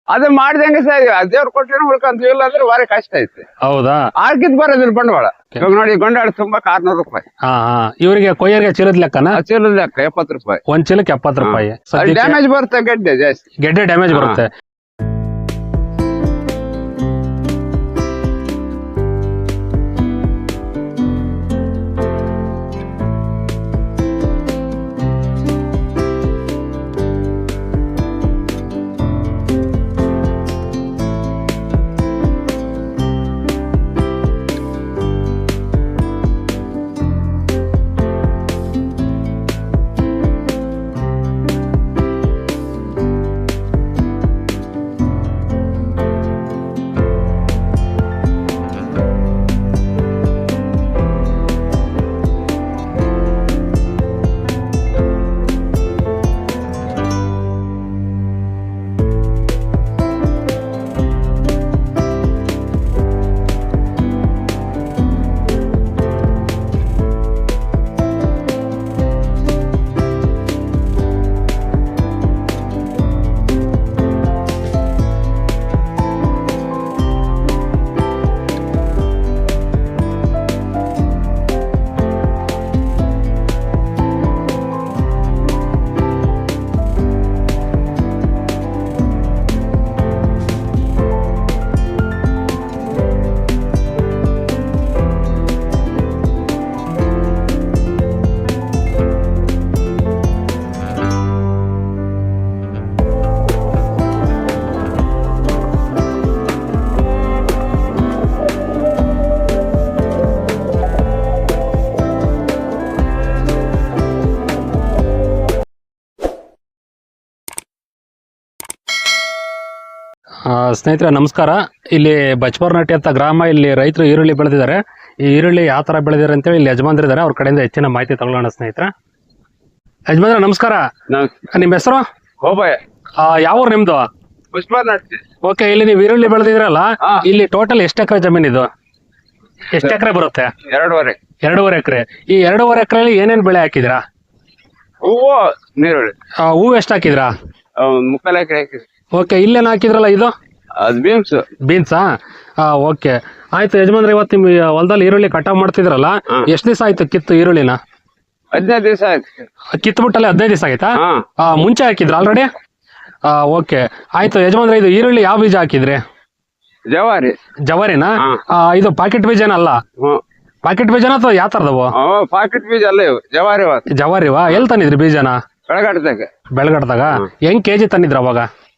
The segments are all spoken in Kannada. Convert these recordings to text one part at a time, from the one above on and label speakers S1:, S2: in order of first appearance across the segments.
S1: ಅದು ಮಾಡ್ದಂಗೆ ಸರ್ ದೇವ್ರ ಕೊಟ್ಟರೆ ಉಳ್ಕೊಂತೀವಿ ಇಲ್ಲ ಅಂದ್ರೆ ಭಾರಿ ಕಷ್ಟ ಐತೆ.
S2: ಹೌದಾ?
S1: ಆರ್ಕಿದ್ ಬರೋದಿಲ್ಲ ಬಂಡವಾಳ. ಇವಾಗ ನೋಡಿ ಗೊಂಡಾಳ ತುಂಬಾ 600 ರೂಪಾಯಿ.
S2: ಇವರಿಗೆ ಕೊಯ್ಯರ್ಗೆ ಚೀಲದ ಲೆಕ್ಕನ?
S1: ಚೀಲದ ಲೆಕ್ಕ 70 ರೂಪಾಯಿ.
S2: ಒಂದ್ ಚೀಲಕ್ಕೆ 70 ರೂಪಾಯಿ.
S1: ಡ್ಯಾಮೇಜ್ ಬರುತ್ತೆ ಗೆಡ್ಡೆ ಜಾಸ್ತಿ.
S2: ಗೆಡ್ಡೆ ಡ್ಯಾಮೇಜ್ ಬರುತ್ತೆ. ಸ್ನೇಹಿತರೆ ನಮಸ್ಕಾರ. ಇಲ್ಲಿ ಬಚ್ಪರ್ನಟ್ಟಿ ಅಂತ ಗ್ರಾಮ, ಇಲ್ಲಿ ರೈತರು ಈರುಳ್ಳಿ ಬೆಳೆದಿದ್ದಾರೆ. ಈ ಈರುಳ್ಳಿ ಯಾವ ತರ ಬೆಳೆದಿದ್ದಾರೆ ಅಂತೇಳಿ ಇಲ್ಲಿ ಯಜಮಾನ್ರಿದ್ದಾರೆ, ಅವ್ರ ಕಡೆಯಿಂದ ಹೆಚ್ಚಿನ ಮಾಹಿತಿ ತಗೊಳ್ಳೋಣ. ಸ್ನೇಹಿತರೆ ಯಜಮಾನ್ರ ನಮಸ್ಕಾರ. ನಿಮ್ಮ ಹೆಸರು? ಯಾವ ಊರು ನಿಮ್ದು? ಓಕೆ, ಇಲ್ಲಿ ನೀವು ಈರುಳ್ಳಿ ಬೆಳೆದಿದ್ರಲ್ಲ, ಇಲ್ಲಿ ಟೋಟಲ್ ಎಷ್ಟು ಎಕರೆ ಜಮೀನ್ ಇದು? ಎಷ್ಟು ಎಕರೆ ಬರುತ್ತೆ? 2.5 ಎಕರೆ. ಈ 2.5 ಎಕರೆಯಲ್ಲಿ ಏನೇನ್ ಬೆಳೆ ಹಾಕಿದ್ರಾ? ಹೂವು ಎಷ್ಟು ಹಾಕಿದ್ರಾ?
S1: 3/4 ಎಕರೆ ಹಾಕಿದ್ರಿ.
S2: ಓಕೆ, ಇಲ್ಲೇನು ಹಾಕಿದ್ರಲ್ಲ ಇದು? ಬೀನ್ಸಾ? ಓಕೆ, ಆಯ್ತು ಯಜಮಾನ್ರೆ. ಇವತ್ತು ನಿಮ್ ಹೊಲದಲ್ಲಿ ಈರುಳ್ಳಿ ಕಟಾವ್ ಮಾಡ್ತಿದ್ರಲ್ಲ, ಎಷ್ಟು ದಿವಸ ಆಯ್ತು ಕಿತ್ತು ಈರುಳ್ಳಿನ?
S1: 15 ದಿವಸ ಆಯ್ತು.
S2: ಕಿತ್ಬಿಟ್ಟಲ್ಲಿ 15 ದಿವಸ ಆಯ್ತಾ? ಮುಂಚೆ ಹಾಕಿದ್ರ ಆಲ್ರೆಡಿ? ಓಕೆ, ಆಯ್ತು ಯಜಮಾನ್ರೆ. ಇದು ಈರುಳ್ಳಿ ಯಾವ ಬೀಜ ಹಾಕಿದ್ರಿ? ಜವಾರಿನಾ? ಇದು ಪಾಕೆಟ್ ಬೀಜನಲ್ಲ? ಪಾಕೆಟ್ ಬೀಜನ ಅಥವಾ ಯಾವ ತರದವು?
S1: ಪಾಕೆಟ್ ಬೀಜ ಅಲ್ಲ,
S2: ಜವಾರಿವಾ? ಎಲ್ಲಿ ತಂದಿದ್ರಿ ಬೀಜನ? ಬೆಳಗಟ್ಟದಾಗ. ಹೆಂಗ್ ಕೆಜಿ ತಂದಿದ್ರ ಅವಾಗ?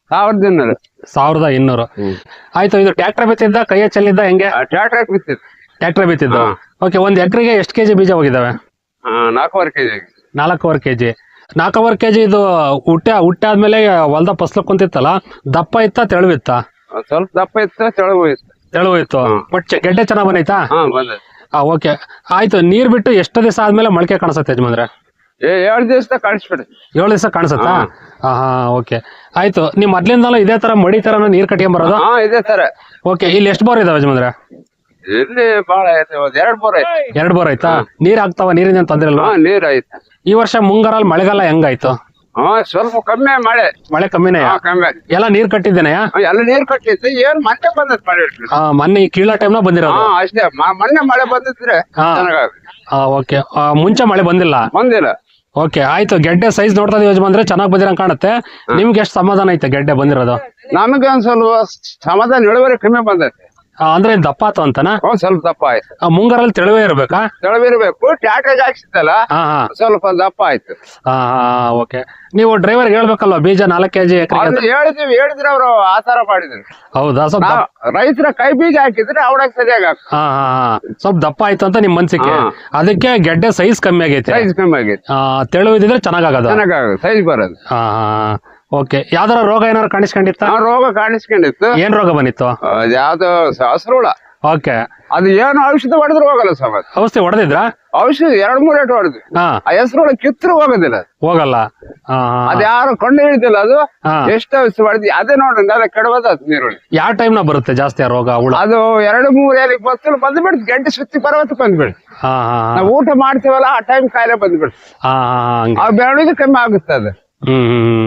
S2: 1200. ಆಯ್ತು, ಇದು ಟ್ರ್ಯಾಕ್ಟರ್ ಬಿತ್ತಿದ್ದ ಕೈಯ ಚೆಲ್ಲಿದ್ದ ಹೆಂಗೆ? ಟ್ರ್ಯಾಕ್ಟರ್ ಬಿತ್ತಿದ್ದು. ಓಕೆ, ಒಂದ್ ಎಕರೆಗೆ ಎಷ್ಟು ಕೆಜಿ ಬೀಜ ಹೋಗಿದಾವೆ?
S1: 4.5 ಕೆಜಿ.
S2: 4.5 ಕೆಜಿ. 4.5 ಕೆಜಿ. ಇದು ಹುಟ್ಟಾದ್ಮೇಲೆ ಹೊಲ್ದ ಫಸ್ಲು ಕುಂತಿತ್ತಲ್ಲ, ದಪ್ಪ ಇತ್ತ ತೆಳುವಿತ್ತ?
S1: ಸ್ವಲ್ಪ ದಪ್ಪ ಇತ್ತು,
S2: ತೆಳುವು ಇತ್ತು. ಬಟ್ ಗೆಡ್ಡೆ ಚೆನ್ನಾಗ್ ಬಂದೈತಾ? ಓಕೆ, ಆಯ್ತು. ನೀರ್ ಬಿಟ್ಟು ಎಷ್ಟು ದಿವಸ ಆದ್ಮೇಲೆ ಮೊಳಕೆ ಕಾಣಿಸುತ್ತೆ ಯಜಮಾನ್ರೆ?
S1: 7 ದಿವಸ ಕಾಣಿಸ್ಬಿಡಿ.
S2: 7 ದಿವಸ ಕಾಣಿಸುತ್ತಾ? ಓಕೆ, ಆಯ್ತು. ನಿಮ್ ಮೊದ್ಲಿಂದಲೂ ಇದೇ ತರ ಮಡಿ ತರ ನೀರ್ ಕಟ್ಕೊಂಡ್ ಬರೋದು?
S1: ಇದೇ ತರ.
S2: ಓಕೆ, ಇಲ್ಲಿ ಎಷ್ಟು ಬೋರ್ ಇದಾವೆ ಯಜಮಾನ್ರೆ?
S1: ಇಲ್ಲಿ ಬಾಳ ಐತೆ, 2 ಬೋರ್ ಐತೆ.
S2: 2 ಬೋರ್ ಆಯ್ತಾ? ನೀರ್ ಆಗ್ತಾವ? ನೀರಿನ ತೊಂದ್ರೆ ಅಲ್ವಾ?
S1: ನೀರ್ ಐತೆ.
S2: ಈ ವರ್ಷ ಮುಂಗಾರಲ್ಲಿ ಮಳೆಗಾಲ ಹೆಂಗಾಯ್ತು?
S1: ಸ್ವಲ್ಪ ಕಮ್ಮಿ
S2: ಮಳೆ ಕಮ್ಮಿನೇ? ಎಲ್ಲ ನೀರ್ ಕಟ್ಟಿದ್ದೇನೆ?
S1: ಎಲ್ಲ ನೀರ್ ಕಟ್ಟಿತ್ತು. ಏನ್ ಮೊನ್ನೆ ಬಂದತ್ ಮಳೆ?
S2: ಮೊನ್ನೆ ಈ ಕೀಳ ಟೈಮ್ ನ ಬಂದಿರೋದು?
S1: ಅಷ್ಟೇ, ಮೊನ್ನೆ ಮಳೆ ಬಂದಿದ್ರೆ.
S2: ಓಕೆ, ಮುಂಚೆ ಮಳೆ ಬಂದಿಲ್ಲ? ಓಕೆ, ಆಯ್ತು. ಗೆಡ್ಡೆ ಸೈಜ್ ನೋಡ್ತಾ ಯಜಮಾನ್ರೆ ಚೆನ್ನಾಗ್ ಬಂದಿರಂಗ್ ಕಾಣುತ್ತೆ. ನಿಮ್ಗೆ ಎಷ್ಟು ಸಮಾಧಾನ ಐತೆ ಗೆಡ್ಡೆ ಬಂದಿರೋದು?
S1: ನಮಗೆ ಒಂದ್ ಸ್ವಲ್ಪ ಸಮಾಧಾನ, ಇಳುವರಿ ಕಮ್ಮಿ ಬಂದೈತೆ.
S2: ಅಂದ್ರೆ ದಪ್ಪ ಆತು ಅಂತನಾ?
S1: ಸ್ವಲ್ಪ ದಪ್ಪ ಆಯ್ತು.
S2: ಮುಂಗಾರಲ್ಲಿ ತೆಳುವೇ ಇರ್ಬೇಕಾ?
S1: ತೆಳುವಿರ್ಬೇಕು. ಟ್ಯಾಕ್ಟರ್ ಹಾಕ್ಸಿತ್ತಲ್ಲ, ಸ್ವಲ್ಪ ದಪ್ಪ ಆಯ್ತು.
S2: ಓಕೆ, ನೀವು ಡ್ರೈವರ್ ಹೇಳ್ಬೇಕಲ್ವಾ ಬೀಜ 4 ಕೆಜಿ
S1: ಹೇಳಿದ್ರೆ ಅವರು ಆತರ ಮಾಡಿದ್ರು.
S2: ಹೌದಾ? ಸ್ವಲ್ಪ
S1: ರೈತರ ಕೈ ಬೀಜ ಹಾಕಿದ್ರೆ ಅವಡಕ್ ಸರಿಯಾಗಿ
S2: ಸ್ವಲ್ಪ ದಪ್ಪ ಆಯ್ತು ಅಂತ ನಿಮ್ ಮನ್ಸಿಗೆ. ಅದಕ್ಕೆ ಗೆಡ್ಡೆ ಸೈಜ್ ಕಮ್ಮಿ ಆಗೈತೆ. ತೆಳು ಇದ್ರೆ ಚೆನ್ನಾಗದ,
S1: ಸೈಜ್ ಬರೋದು.
S2: ಓಕೆ, ಯಾವ್ದಾರ ರೋಗ ಏನಾರು ಕಾಣಿಸ್ಕೊಂಡಿತ್ತ?
S1: ರೋಗ ಕಾಣಿಸ್ಕೊಂಡಿತ್ತು.
S2: ಏನ್ ರೋಗ ಬಂದಿತ್ತು?
S1: ಯಾವ್ದು ಹಸ್ರುಳ.
S2: ಓಕೆ,
S1: ಅದು ಏನು ಔಷಧಿ ಹೊಡೆದ್ರು ಹೋಗಲ್ಲ ಸರ್.
S2: ಔಷಧಿ ಹೊಡೆದಿದ್ರ?
S1: ಔಷಧಿ 2-3 ಏಟು ಹೊಡೆದ್ವಿ. ಆ ಹೆಸರುಳ ಕಿತ್ತರು ಹೋಗೋದಿಲ್ಲ,
S2: ಹೋಗಲ್ಲ.
S1: ಅದ್ ಯಾರು ಕೊಂಡು ಹಿಡಿದಿಲ್ಲ. ಅದು ಎಷ್ಟು ಔಷಧಿ ಹೊಡೆದಿ ಅದೇ ನೋಡ್ರಿ, ಅದೇ ಕೆಡಬದ ನೀರುಳ್ಳಿ.
S2: ಯಾವ ಟೈಮ್ ನ ಬರುತ್ತೆ ಜಾಸ್ತಿ ಆ ರೋಗ?
S1: ಅದು 2-3 ಏಲಿಗೆ ಬಸ್ಸಲ್ಲಿ ಬಂದ್ಬಿಡ್ತು. ಗಂಟೆ ಸುತ್ತಿ ಪರ್ವತಕ್ಕೆ ಬಂದ್ಬಿಡ್ತು. ನಾವು ಊಟ ಮಾಡ್ತೀವಲ್ಲ, ಆ ಟೈಮ್ ಕಾಯಿಲೆ ಬಂದ್ಬಿಡ್ತು. ಆ ಬೆಳವಣಿಗೆ ಕಮ್ಮಿ ಆಗುತ್ತೆ ಅದು.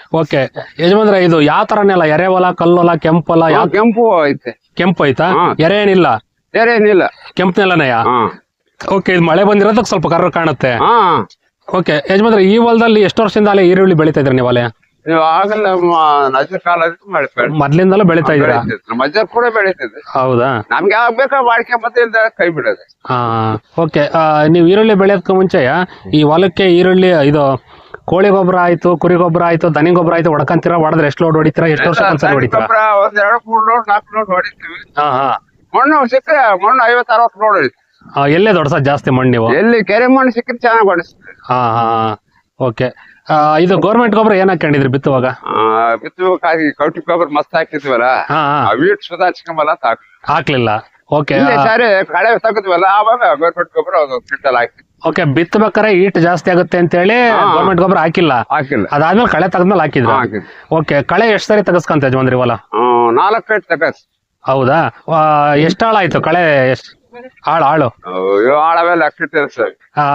S2: ಓಕೆ ಯಜಮಾನ್ರೆ, ಇದು ಯಾವ ತರ ನೆಲ? ಎರೆ ಹೊಲ, ಕಲ್ಲು ಹೊಲ, ಕೆಂಪು ಹೊಲ? ಯಾವ
S1: ಕೆಂಪು ಐತೆ.
S2: ಕೆಂಪು ಐತಾ?
S1: ಹಾ.
S2: ಎರೆ ಏನಿಲ್ಲ?
S1: ಏನಿಲ್ಲ.
S2: ಕೆಂಪು ನೆಲನೆಯ?
S1: ಹಾ
S2: ಓಕೆ, ಇದು ಮಳೆ ಬಂದಿರೋದಕ್ಕೆ ಸ್ವಲ್ಪ ಕರ್ರ ಕಾಣುತ್ತೆ.
S1: ಹಾ.
S2: ಓಕೆ ಯಜಮಾನ್ರೆ, ಈ ಹೊಲದಲ್ಲಿ ಎಷ್ಟು ವರ್ಷದಿಂದ ಅಲ್ಲೇ ಈರುಳ್ಳಿ ಬೆಳಿತಾ ಇದ್ರಿ ನೀವು? ಅಲ್ಲೇ
S1: ನೀವು ಆಗಲ್ಲ ನಜರ್ ಕಾಲ
S2: ಮೊದ್ಲಿಂದಲೂ ಬೆಳಿತಾ ಇದ್ದೀರಾ?
S1: ಮಜರ್ ಕೂಡ ಬೆಳಿತಿದ್ದೆ.
S2: ಹೌದಾ?
S1: ನಮ್ಗೆ ಯಾವಾಗ ಬೇಕಾ ಮಾಡ್ಕೆ ಮತ್ತೆ ಕೈ ಬಿಡೋದು.
S2: ಹಾ. ಓಕೆ, ನೀವು ಈರುಳ್ಳಿ ಬೆಳೆಯೋದಕ್ಕೆ ಮುಂಚೆ ಈ ಹೊಲಕ್ಕೆ ಈರುಳ್ಳಿ ಇದು ಕೋಳಿ ಗೊಬ್ಬರ ಆಯ್ತು, ಕುರಿ ಗೊಬ್ಬರ ಆಯ್ತು, ದನಿ ಗೊಬ್ಬರ ಆಯ್ತು ಹೊಡ್ಕಂತೀರಾ? ಹೊಡೆದ್ರೆ ಎಷ್ಟು ಲೋಡ್ ಹೊಡಿತೀರಾ? ಎಷ್ಟು ವರ್ಷ ಒಂದ್ಸಲ ಹೊಡಿತೀರಾ?
S1: ಒಂದ್ 2-3 ಲೋಡ್ 4 ಲೋಡ್ ಹೊಡಿತೀವಿ.
S2: ಹಾ ಹಾ.
S1: ಮಣ್ಣು ಸಿಕ್ಕರೆ ಮಣ್ಣು 50-60 ಲೋಡ್ ಹೊಡಿತೀವಿ.
S2: ಎಲ್ಲೇ ದೊಡ್ಡ ಜಾಸ್ತಿ ಮಣ್ಣು ನೀವು?
S1: ಎಲ್ಲಿ ಕೆರೆ ಮಣ್ಣು ಸಿಕ್ಕರೆ ಚೆನ್ನಾಗಿ ಹೊಡಿಸ್ತೀವಿ.
S2: ಹಾ ಹಾ. ಓಕೆ, ಇದು ಗೌರ್ಮೆಂಟ್ ಗೊಬ್ಬರ ಏನ್ ಹಾಕೊಂಡಿದ್ರಿ ಬಿತ್ತುವಾಗ?
S1: ಬಿತ್ತುವಾಗಿ ಕೌಟಿ ಗೊಬ್ಬರ ಮಸ್ತ್ ಹಾಕಿದ್ವಲ್ಲ,
S2: ಹಾ ಹಾ.
S1: ವೀಟ್ ಸುಧಾ ಚಿಕ್ಕಮಲ್ಲ
S2: ಹಾಕ್ಲಿಲ್ಲ? ಓಕೆ.
S1: ಸಾರಿ ಕಳೆ ತೆಗೆದ್ವಲ್ಲ, ಆವಾಗ ಗೌರ್ಮೆಂಟ್ ಗೊಬ್ಬರ ಒಂದು ಕ್ವಿಂಟಲ್ ಹಾಕಿ.
S2: ಓಕೆ, ಬಿತ್ತಬೇಕಾರೆ ಈಟ್ ಜಾಸ್ತಿ ಆಗುತ್ತೆ ಅಂತ ಹೇಳಿ ಗೌರ್ಮೆಂಟ್ ಗೊಬ್ಬರ ಹಾಕಿಲ್ಲ? ಅದಾದ್ಮೇಲೆ ಕಳೆ ತೆಗೆದ್ಮೇಲೆ ಹಾಕಿದ್ರು? ಓಕೆ, ಕಳೆ ಎಷ್ಟ್ ಸರಿ ತೆಗಸ್ಕೊಂತ ಯಜಮಾನ್ರಿ ಹೊಲ?
S1: 4 ಕಟ್ ತಗಸ್.
S2: ಹೌದಾ? ಎಷ್ಟ್ ಆಳ ಆಯ್ತು ಕಳೆ? ಎಷ್ಟ್ ಆಳು?
S1: ಆಳವೆಲ್ಲ ಹಾಕಿರ್ತೀರ ಸರ್.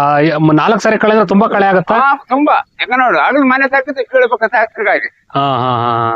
S2: 4 ಸರಿ ಕಳೆ ಅಂದ್ರೆ ತುಂಬಾ ಕಳೆ ಆಗತ್ತಾ?
S1: ತುಂಬಾ. ಯಾಕ ನೋಡಿ, ಅದ್ರ ಮನೆ ತಗದು ಕೀಳ್ಬೇಕಂತ ಹಾಕಿಗಾಗಿ.
S2: ಹಾ ಹಾ.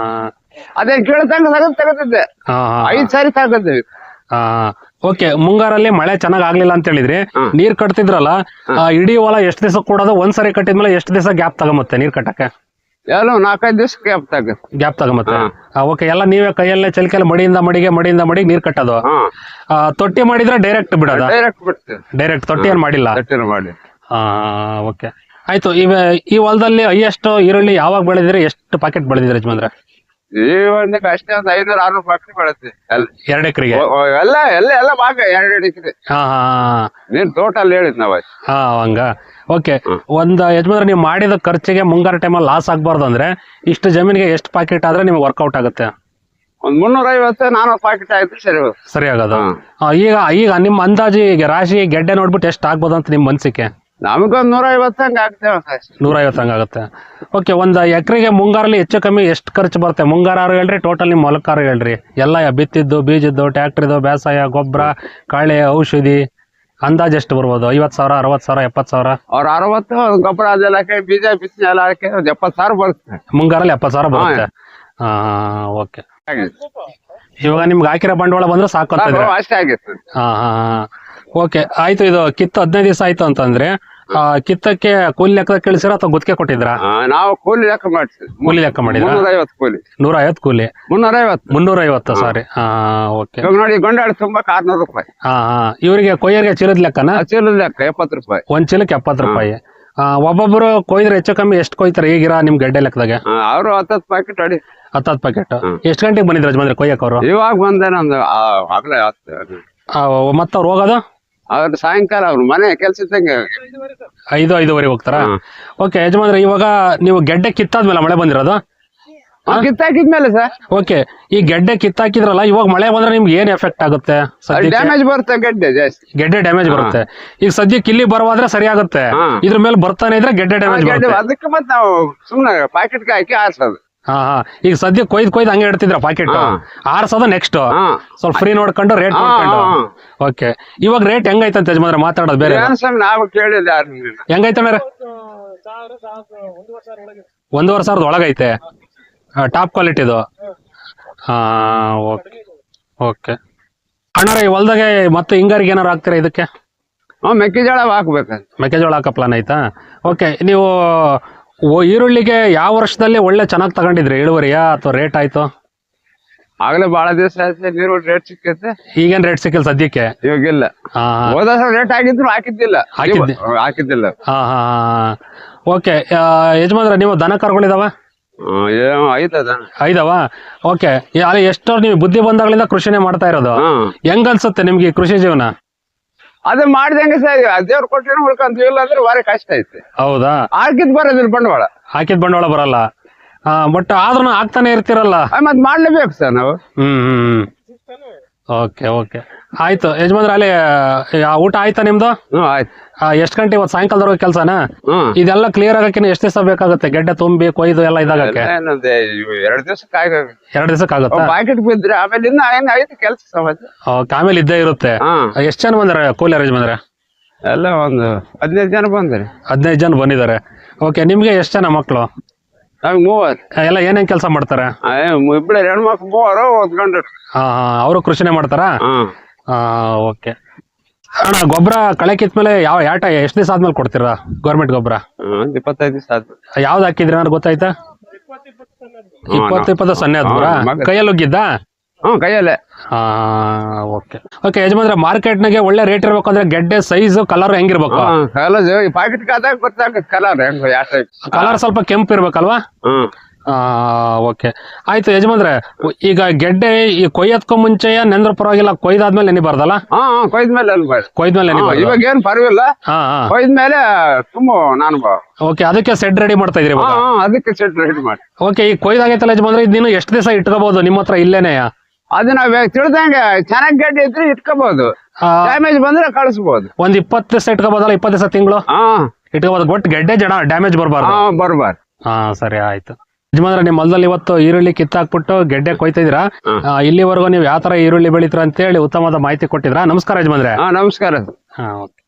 S1: ಅದೇ ಕೀಳತಂಗ ತೆಗದಿದ್ದೆ. 5 ಸಾರಿ ತಗದ್ವಿ.
S2: ಹಾ. ಓಕೆ, ಮುಂಗಾರಲ್ಲಿ ಮಳೆ ಚೆನ್ನಾಗ್ ಆಗ್ಲಿಲ್ಲ ಅಂತ ಹೇಳಿದ್ರಿ, ನೀರ್ ಕಟ್ತಿದ್ರಲ್ಲ, ಇಡೀ ಹೊಲ ಎಷ್ಟ್ ದಿವಸ ಕೂಡೋದು? ಒಂದ್ಸರಿ ಕಟ್ಟಿದ್ಮೇಲೆ ಎಷ್ಟ್ ದಿವಸ ಗ್ಯಾಪ್ ತಗೊಂಬತ್ತೆ ನೀರ್ ಕಟ್ಟಕ್ಕೆ?
S1: ಎಲ್ಲ 4-5 ದಿವಸ ಗ್ಯಾಪ್
S2: ತಗೊಂಬತ್ತೆ. ಓಕೆ, ಎಲ್ಲ ನೀವೇ ಕೈಯಲ್ಲೇ ಚಲಿಕೆಲ್ಲ ಮಡಿಯಿಂದ ಮಡಿಗೆ ನೀರ್ ಕಟ್ಟೋದು? ತೊಟ್ಟಿ ಮಾಡಿದ್ರೆ ಡೈರೆಕ್ಟ್ ಬಿಡೋದ? ಡೈರೆಕ್ಟ್ ತೊಟ್ಟಿ ಏನ್ ಮಾಡಿಲ್ಲ?
S1: ಮಾಡಿ.
S2: ಹಾ. ಓಕೆ, ಆಯ್ತು. ಈ ಹೊಲದಲ್ಲಿ ಹೈಯೆಸ್ಟ್ ಈರುಳ್ಳಿ ಯಾವಾಗ ಬೆಳೆದಿರಿ? ಎಷ್ಟು ಪಾಕೆಟ್ ಬೆಳೆದಿರಿ ಯಜಮಾನ್ರೆ?
S1: ಈ ಒಂದಕ್ಕೆ ಅಷ್ಟೇ ಒಂದು 500-600 ಪಾಕೆಟ್ ಬೆಳೆದ್ವಿ.
S2: 2 ಎಕರೆಗೆ?
S1: ಎಲ್ಲ ಭಾಗ 2 ಎಕರೆ.
S2: ಹಾ ಹಾ.
S1: ನೀನ್ ಟೋಟಲ್ ಹೇಳಿದ್ ನಾವ್.
S2: ಹಾ, ಹಂಗ. ಓಕೆ, ಒಂದ್ ಯಜಮಾನ್ರೆ, ನೀವು ಮಾಡಿದ ಖರ್ಚಿಗೆ ಮುಂಗಾರು ಟೈಮಲ್ಲಿ ಲಾಸ್ ಆಗ್ಬಾರ್ದು ಅಂದ್ರೆ ಇಷ್ಟು ಜಮೀನಿಗೆ ಎಷ್ಟು ಪಾಕೆಟ್ ಆದ್ರೆ ನಿಮ್ಗೆ ವರ್ಕೌಟ್ ಆಗುತ್ತೆ?
S1: ಒಂದ್ 350-400 ಪಾಕೆಟ್ ಆಯ್ತು ಸರಿ
S2: ಆಗೋದು. ಈಗ ನಿಮ್ಮ ಅಂದಾಜು ಈಗ ರಾಶಿ ಗೆಡ್ಡೆ ನೋಡ್ಬಿಟ್ಟು ಎಷ್ಟು ಆಗ್ಬೋದು ಅಂತ ನಿಮ್ ಮನ್ಸಿಗೆ?
S1: ನಮಗೊಂದ್ 150 ಹಂಗ ಆಗ್ತೇವೆ.
S2: 150 ಹಂಗಾಗುತ್ತೆ. ಓಕೆ, ಒಂದ್ ಎಕರೆಗೆ ಮುಂಗಾರಲ್ಲಿ ಹೆಚ್ಚು ಕಮ್ಮಿ ಎಷ್ಟು ಖರ್ಚು ಬರುತ್ತೆ? ಮುಂಗಾರು ಹೇಳ್ರಿ, ಟೋಟಲ್ ನಿಮ್ ಹೊಲಕ್ಕಾರು ಹೇಳ್ರಿ. ಎಲ್ಲ ಬಿತ್ತಿದ್ದು, ಬೀಜದ್ದು, ಟ್ಯಾಕ್ಟ್ರಿದು, ಬೇಸಾಯ, ಗೊಬ್ಬರ, ಕಳೆ, ಔಷಧಿ ಅಂದಾಜ್ ಎಷ್ಟು ಬರ್ಬೋದು? 50,000, 60,000, 70,000?
S1: ಅವ್ರ 60 ಗೊಬ್ಬರ ಅದೆಲ್ಲ ಬೀಜ ಬಿತ್ತನೆ ಎಲ್ಲ ಹಾಕಿ 70,000 ಬರುತ್ತೆ.
S2: ಮುಂಗಾರಲ್ಲಿ 70,000 ಬರುತ್ತೆ. ಹಾ. ಓಕೆ, ಇವಾಗ ನಿಮ್ಗೆ ಹಾಕಿರೋ ಬಂಡವಾಳ ಬಂದ್ರೆ ಸಾಕು ಅಂತ
S1: ಅಷ್ಟೇ ಆಗಿತ್ತು.
S2: ಹಾ ಹಾ. ಓಕೆ, ಆಯ್ತು. ಇದು ಕಿತ್ತು 15 ದಿವಸ ಆಯ್ತು ಅಂತಂದ್ರೆ ಕಿತ್ತಕ್ಕೆ ಕೂಲಿ ಲೆಕ್ಕ ಕಳಿಸಿರ ಅಥವಾ ಗುತ್ತಿಗೆ ಕೊಟ್ಟಿದ್ರ?
S1: ನಾವು ಕೂಲಿ ಲೆಕ್ಕ ಮಾಡ್ತೀವಿ.
S2: ಕೂಲಿ ಲೆಕ್ಕ ಮಾಡಿದ್ರ?
S1: 350 ಕೂಲಿ.
S2: 150 ಕೂಲಿ?
S1: 350.
S2: ಸಾರಿ. ಹಾ. ಓಕೆ,
S1: ನೋಡಿ ಗೊಂಡಾಳ ತುಂಬಾ 600 ರೂಪಾಯಿ.
S2: ಹಾ ಹಾ. ಇವರಿಗೆ ಕೊಯ್ಯರ್ಗೆ ಚೀಲದ ಲೆಕ್ಕನ?
S1: ಚೀಲದ ಲೆಕ್ಕ 70 ರೂಪಾಯಿ.
S2: ಒಂದ್ ಚೀಲಕ್ಕೆ 70 ರೂಪಾಯಿ. ಒಬ್ಬೊಬ್ರು ಕೊಯ್ದ್ರೆ ಹೆಚ್ಚು ಕಮ್ಮಿ ಎಷ್ಟು ಕೊಯ್ತಾರೆ ಈಗಿರ ನಿಮ್ ಗಡ್ಡೆ ಲೆಕ್ಕದಾಗ?
S1: ಅವರು 10 ಪ್ಯಾಕೆಟ್ ಹೊಡಿ.
S2: 10 ಪ್ಯಾಕೆಟ್. ಎಷ್ಟು ಗಂಟೆಗೆ ಬಂದಿದ್ರು ಯಜಮಾನ್ರೆ ಕೊಯ್ಯಕ್ ಅವರು?
S1: ಇವಾಗ ಬಂದೇನೊಂದು ಆಗ್ಲೇ
S2: ಮತ್ತೆ ಅವ್ರು ಹೋಗೋದು?
S1: ಅವ್ರು ಸಾಯಂಕಾಲ ಅವ್ರು ಮನೆ ಕೆಲಸ ಇದ್ದಂಗೆ
S2: 5-5:30 ಹೋಗ್ತಾರ? ಓಕೆ ಯಜಮಾನ್ರೆ, ಇವಾಗ ನೀವು ಗೆಡ್ಡೆ ಕಿತ್ತಾದ್ಮೇಲೆ ಮಳೆ ಬಂದಿರೋದು?
S1: ಕಿತ್ತಾಕಿದ್ಮೇಲೆ ಸರ್.
S2: ಓಕೆ, ಈ ಗೆಡ್ಡೆ ಕಿತ್ತಾಕಿದ್ರಲ್ಲ, ಇವಾಗ ಮಳೆ ಬಂದ್ರೆ ನಿಮ್ಗೆ ಏನ್ ಎಫೆಕ್ಟ್ ಆಗುತ್ತೆ?
S1: ಡ್ಯಾಮೇಜ್ ಬರುತ್ತೆ ಗೆಡ್ಡೆ ಜಾಸ್ತಿ.
S2: ಗೆಡ್ಡೆ ಡ್ಯಾಮೇಜ್ ಬರುತ್ತೆ. ಈಗ ಸದ್ಯಕ್ಕೆ ಇಲ್ಲಿ ಬರವಾದ್ರೆ ಸರಿ ಆಗುತ್ತೆ, ಇದ್ರ ಮೇಲೆ ಬರ್ತಾನೆ ಇದ್ರೆ ಗೆಡ್ಡೆ ಡ್ಯಾಮೇಜ್ ಬರುತ್ತೆ.
S1: ಅದಕ್ಕೆ ಮತ್ತೆ ನಾವು ಸುಮ್ನೆ ಪ್ಯಾಕೆಟ್ ಹಾಕಿ ಆರ್ಸೋದು.
S2: ಹಾ ಹಾ. ಈಗ ಸದ್ಯ ಕೊಯ್ದು ಹಂಗೆ ಇಡ್ತಿದ್ರ ಪಾಕೆಟ್? ಆರ್ಸೋದು ನೆಕ್ಸ್ಟ್ ಸ್ವಲ್ಪ ಫ್ರೀ ನೋಡ್ಕೊಂಡು ರೇಟ್ ನೋಡ್ಕೊಂಡು. ಓಕೆ, ಇವಾಗ ರೇಟ್ ಹೆಂಗೈತಂತ ಯಜಮಾನ್ರೆ ಮಾತಾಡೋದು ಬೇರೆ?
S1: ನಾವು ಕೇಳಿಲ್ಲ.
S2: ಹೆಂಗೈತೆ ಮೇರೆ? 1,500,000 ಒಳಗೈತೆ, ಟಾಪ್ ಕ್ವಾಲಿಟಿದು. ಹಾ. Okay okay. ಅಣ್ಣಾರ, ಈ ಹೊಲ್ದಾಗೆ ಮತ್ತೆ ಹಿಂಗಾರಿಗೆ ಏನಾರು ಹಾಕ್ತೀರಾ ಇದಕ್ಕೆ?
S1: ಮೆಕ್ಕೆಜೋಳ ಹಾಕ್ಬೇಕು.
S2: ಮೆಕ್ಕೆಜೋಳ ಹಾಕೋ ಪ್ಲಾನ್ ಆಯ್ತಾ? ಓಕೆ, ನೀವು ಈರುಳ್ಳಿಗೆ ಯಾವ ವರ್ಷದಲ್ಲಿ ಒಳ್ಳೆ ಚೆನ್ನಾಗಿ ತಗೊಂಡಿದ್ರಿ ಇಳುವರಿಯಾ ಅಥವಾ ರೇಟ್ ಆಯ್ತು?
S1: ಆಗ್ಲೇ ಬಹಳ ದಿವಸ ಆಯ್ತು ನೀರು ರೇಟ್ ಸಿಕ್ಕೈತೆ.
S2: ಈಗೇನ್ ರೇಟ್ ಸಿಕ್ಕಿಲ್ಲ ಸದ್ಯಕ್ಕೆ?
S1: ಇವಾಗಿಲ್ಲ. ಹೋದ ರೇಟ್ ಆಗಿದ್ರು ಹಾಕಿದ್ದಿಲ್ಲ. ಹಾ
S2: ಹಾ. ಓಕೆ ಯಜಮಾನ್ರೆ, ನೀವು ದನ ಕರ್ಗಳಿದಾವ? ಐದವ? ಓಕೆ, ಅಲ್ಲಿ ಎಷ್ಟೋ ನೀವು ಬುದ್ಧಿ ಬಂದಾಗಳಿಂದ ಕೃಷಿನೇ ಮಾಡ್ತಾ ಇರೋದು. ಹೆಂಗ ಅನ್ಸುತ್ತೆ ನಿಮ್ಗೆ ಕೃಷಿ ಜೀವನ?
S1: ಅದೇ ಮಾಡಿದಂಗೆ ಸರ್, ದೇವ್ರು ಕೊಟ್ಟಿನ ಉಳ್ಕೊಂತೀವಿಲ್ಲ ಅಂದ್ರೆ ಭಾರಿ ಕಷ್ಟ ಐತೆ.
S2: ಹೌದಾ?
S1: ಹಾಕಿದ್ ಬರೋದಿಲ್ಲ ಬಂಡವಾಳ.
S2: ಹಾಕಿದ್ ಬಂಡವಾಳ ಬರಲ್ಲ, ಬಟ್ ಆದ್ರೂ ಆಗ್ತಾನೆ ಇರ್ತಿರಲ್ಲ.
S1: ಮತ್ ಮಾಡ್ಲೇಬೇಕು ಸರ್ ನಾವು.
S2: ಓಕೆ ಓಕೆ, ಆಯ್ತು ಯಜಮಾನ್ರೆ. ಅಲ್ಲಿ ಊಟ ಆಯ್ತಾ ನಿಮ್ದು?
S1: ಆಯ್ತು.
S2: ಎಷ್ಟ್ ಗಂಟೆ ಇವತ್ತು ಸಾಯಂಕಾಲದವರೆಗೆ ಕೆಲಸನ? ಇದೆಲ್ಲ ಕ್ಲಿಯರ್ ಆಗಕ್ಕೆ ಎಷ್ಟು ದಿವಸ ಬೇಕಾಗುತ್ತೆ? ಗೆಡ್ಡೆ ತುಂಬಿ ಕೊಯ್ದು ಎಲ್ಲ ಇದಾಗಕ್ಕೆ?
S1: 2 ದಿವಸಕ್ಕೆ
S2: 2 ದಿವಸಕ್ಕೆ ಆಗುತ್ತೆ.
S1: ಪ್ಯಾಕೆಟ್ ಬಿದ್ರೆ ಆಮೇಲೆ ಇನ್ನ ಐತೆ ಕೆಲಸ.
S2: ಆಮೇಲೆ ಇದ್ದೇ ಇರುತ್ತೆ. ಎಷ್ಟು ಜನ ಬಂದಾರೆ ಕೂಲಿ ಯಜಮಾನ್ರೆ?
S1: ಎಲ್ಲ ಒಂದು 15 ಜನ ಬಂದಾರೆ.
S2: 15 ಜನ ಬಂದಿದ್ದಾರೆ. ಓಕೆ, ನಿಮ್ಗೆ ಎಷ್ಟು ಜನ ಮಕ್ಕಳು?
S1: ನಮ್ಗೆ 3
S2: ಎಲ್ಲ ಏನೇನ್ ಕೆಲಸ ಮಾಡ್ತಾರೆ?
S1: ಇಬ್ಬರೇ ಹೆಣ್ಮಕ್ಳು 3 ಓದ್ಕೊಂಡ್ರು.
S2: ಅವರು ಕೃಷಿನೇ ಮಾಡ್ತಾರಾ? ಓಕೆ ಅಣ್ಣ, ಗೊಬ್ಬರ ಕಳೆ ಕಿತ್ಮೇಲೆ ಯಾವ ಎಷ್ಟು ದಿವಸ ಆದ್ಮೇಲೆ ಕೊಡ್ತೀರಾ ಗೌರ್ಮೆಂಟ್ ಗೊಬ್ಬರ?
S1: 25 ದಿವಸ ಆಯ್ತು.
S2: ಯಾವ್ದು ಹಾಕಿದ್ರಿ ನಾನು ಗೊತ್ತಾಯ್ತಾ? 20 ಸೊನ್ನೆ ಆದ್ರಾ? ಕೈಯಲ್ಲಿ ಹೋಗಿದ್ದ?
S1: ಕೈಯಲ್ಲೇ.
S2: ಓಕೆ ಓಕೆ ಯಜಮಾನ್ರೆ, ಮಾರ್ಕೆಟ್ನಾಗೆ ಒಳ್ಳೆ ರೇಟ್ ಇರ್ಬೇಕು ಅಂದ್ರೆ ಗೆಡ್ಡೆ ಸೈಜ್ ಕಲರ್ ಹೆಂಗಿರ್ಬೇಕು?
S1: ಕಲರ್ ಈ ಪಾಕೆಟ್ ಕಾದಾಗ ಗೊತ್ತಾಗ ಕಲರ್ ಹೆಂಗ ಯಾವ ಟೈಪ್.
S2: ಕಲರ್ ಸ್ವಲ್ಪ ಕೆಂಪು ಇರ್ಬೇಕಲ್ವಾ? ಓಕೆ ಆಯ್ತು ಯಜಮಾನ್ರೆ, ಈಗ ಗೆಡ್ಡೆ ಈ ಕೊಯ್ಯತ್ಕೊ ಮುಂಚೆ ನೆಂದ್ರ ಪರವಾಗಿಲ್ಲ, ಕೊಯ್ದಾದ್ಮೇಲೆ ನೆನಿಬಾರ್ದಲ್ಲ?
S1: ಕೊಯ್ದ್ಮೇಲೆ ಅನ್ಬಾರ್ದು.
S2: ಕೊಯ್ದ್ಮೇಲೆ ನೆನಿಬಾರ್ದು.
S1: ಇವಾಗ ಏನ್ ಪರವಾಗಿಲ್ಲ, ಕೊಯ್ದ್ಮೇಲೆ ತುಂಬ ನಾನು
S2: ಓಕೆ, ಅದಕ್ಕೆ ಸೆಡ್ ರೆಡಿ ಮಾಡ್ತಾ ಇದ್ರಿ?
S1: ಅದಕ್ಕೆ ಸೆಟ್ ರೆಡಿ ಮಾಡಿ.
S2: ಓಕೆ, ಈ ಕೊಯ್ದಾಗೈತಲ್ಲ ಯಜಮಾನ್ರೆ, ಇದಿನ್ನು ಎಷ್ಟು ದಿವಸ ಇಟ್ಕೋಬಹುದು ನಿಮ್ಮ ಹತ್ರ ಇಲ್ಲೇನೆ?
S1: ಅದು ನಾವ್ ತಿಳಿದಂಗೆ ಚೆನ್ನಾಗಿ ಗೆಡ್ಡೆ ಇದ್ರೆ ಇಟ್ಕೋಬಹುದು, ಡ್ಯಾಮೇಜ್ ಬಂದ್ರೆ ಕಳಿಸಬಹುದು.
S2: ಒಂದ್ 20 ದಿವಸ ಇಟ್ಕೋಬಹುದಲ್ಲ? 20 ದಿವಸ ತಿಂಗಳು ಇಟ್ಕೋಬಹುದು, ಒಟ್ಟು ಗೆಡ್ಡೆ ಡ್ಯಾಮೇಜ್ ಬರಬಾರ್ದು.
S1: ಬರ್ಬಾರ್ದು.
S2: ಸರಿ ಆಯ್ತು ಯಜಮಾನ್ರೆ, ನಿಮ್ಮ ಹೊಲದಲ್ಲಿ ಇವತ್ತು ಈರುಳ್ಳಿ ಕಿತ್ತಾಕ್ಬಿಟ್ಟು ಗೆಡ್ಡೆ ಕೊಯ್ತಿದ್ದೀರಾ. ಇಲ್ಲಿವರೆಗೂ ನೀವು ಯಾವ ತರ ಈರುಳ್ಳಿ ಬೆಳಿತೀರಾ ಅಂತ ಹೇಳಿ ಉತ್ತಮವಾದ ಮಾಹಿತಿ ಕೊಟ್ಟಿದ್ರಾ. ನಮಸ್ಕಾರ ಯಜಮಾನ್ರೆ.
S1: ನಮಸ್ಕಾರ.
S2: ಓಕೆ.